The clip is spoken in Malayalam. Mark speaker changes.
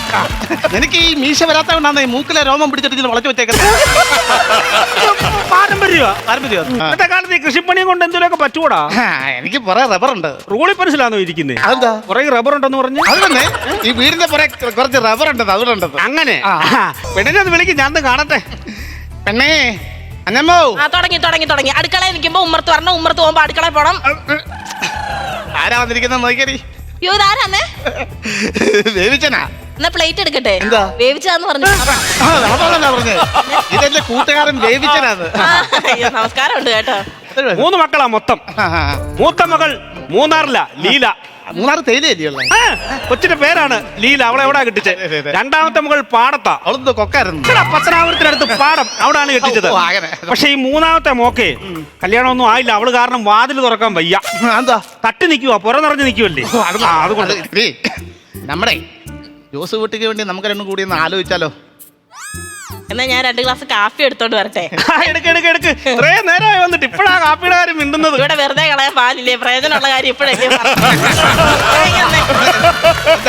Speaker 1: നിനക്ക് ഈ മീശ വരാത്തതുകൊണ്ടാണ് ഈ മൂക്കിലെ രോമം പിടിച്ചിട്ട് വളച്ചു വെച്ചേക്കുന്നത്.
Speaker 2: പാരമ്പര്യ ഇന്നത്തെ കാലത്ത് ഈ കൃഷിപ്പണിയും കൊണ്ട് എന്തെങ്കിലുമൊക്കെ പറ്റൂടാ.
Speaker 1: എനിക്ക് കുറെ റബ്ബറുണ്ട്.
Speaker 2: റൂളി പെൻസിലാണോ ഇരിക്കുന്നത്?
Speaker 1: അതെന്താ?
Speaker 2: കുറെ റബ്ബർ ഉണ്ടെന്ന് പറഞ്ഞു.
Speaker 1: അത് തന്നെ ഈ വീടിന്റെ പുറകെ കുറച്ച് റബ്ബർ ഉണ്ടത് അതുകൊണ്ടുണ്ടത്.
Speaker 2: അങ്ങനെ പെണ്ണിനെ ഒന്ന് വിളിക്കും, ഞാൻ കാണട്ടെ.
Speaker 1: പെണ്ണേ അന്നമ്മോ.
Speaker 3: തുടങ്ങി അടുക്കളയിൽ നിൽക്കുമ്പോ ഉമ്മർത്ത് വരണം, ഉമ്മർത്ത് പോകുമ്പോ അടുക്കളയിൽ പോണം.
Speaker 1: ആരാ വന്നിരിക്കുന്ന നോക്കിയടി.
Speaker 3: അയ്യോ ഇതാരാന്നേ?
Speaker 1: വേവിച്ചനാ.
Speaker 3: എന്നാ പ്ലേറ്റ് എടുക്കട്ടെ.
Speaker 1: എന്താ
Speaker 3: വേവിച്ചാന്ന് പറഞ്ഞു.
Speaker 1: പറഞ്ഞേ ഇതെന്റെ കൂട്ടുകാരൻ വേവിച്ചനാണ്.
Speaker 3: നമസ്കാരം ഉണ്ട് കേട്ടോ.
Speaker 2: 3 മക്കളാ മൊത്തം. മൂത്ത മകൾ മൂന്നാറില ലീല.
Speaker 1: മൂന്നാറ് തേയിലല്ലേ?
Speaker 2: കൊച്ചിന്റെ പേരാണ് ലീല. അവളെ എവിടാ കെട്ടിച്ചത്? രണ്ടാമത്തെ മകൾ പാടത്താ.
Speaker 1: അവളെന്തോ കൊക്കായിരുന്നു.
Speaker 2: പത്തനാപുരത്തിനടുത്ത് പാടം, അവിടാണ് കെട്ടിച്ചത്. പക്ഷെ ഈ മൂന്നാമത്തെ മോക്കെ കല്യാണമൊന്നും ആയില്ല. അവള് കാരണം വാതിൽ തുറക്കാൻ വയ്യ.
Speaker 1: എന്താ?
Speaker 2: തട്ടി നിൽക്കുവാ, പുറ നിറഞ്ഞു നിൽക്കുവല്ലേ. അതുകൊണ്ട്
Speaker 1: നമ്മുടെ ജോസ് വീട്ടിക്ക് വേണ്ടി നമുക്ക് രണ്ടും കൂടി ഒന്ന് ആലോചിച്ചാലോ?
Speaker 3: എന്നാ ഞാൻ 2 ഗ്ലാസ് കാപ്പി എടുത്തോണ്ട് വരട്ടെ.
Speaker 2: എടുക്ക്. ഇത്രയും നേരമായി വന്നിട്ട് ഇപ്പഴാ കാപ്പിയുടെ കാര്യം മിണ്ടുന്നത്.
Speaker 3: ഇവിടെ വെറുതെ കളയാൻ പാലില്ലേ, പ്രയോജനമുള്ള കാര്യം ഇപ്പഴല്ലേ.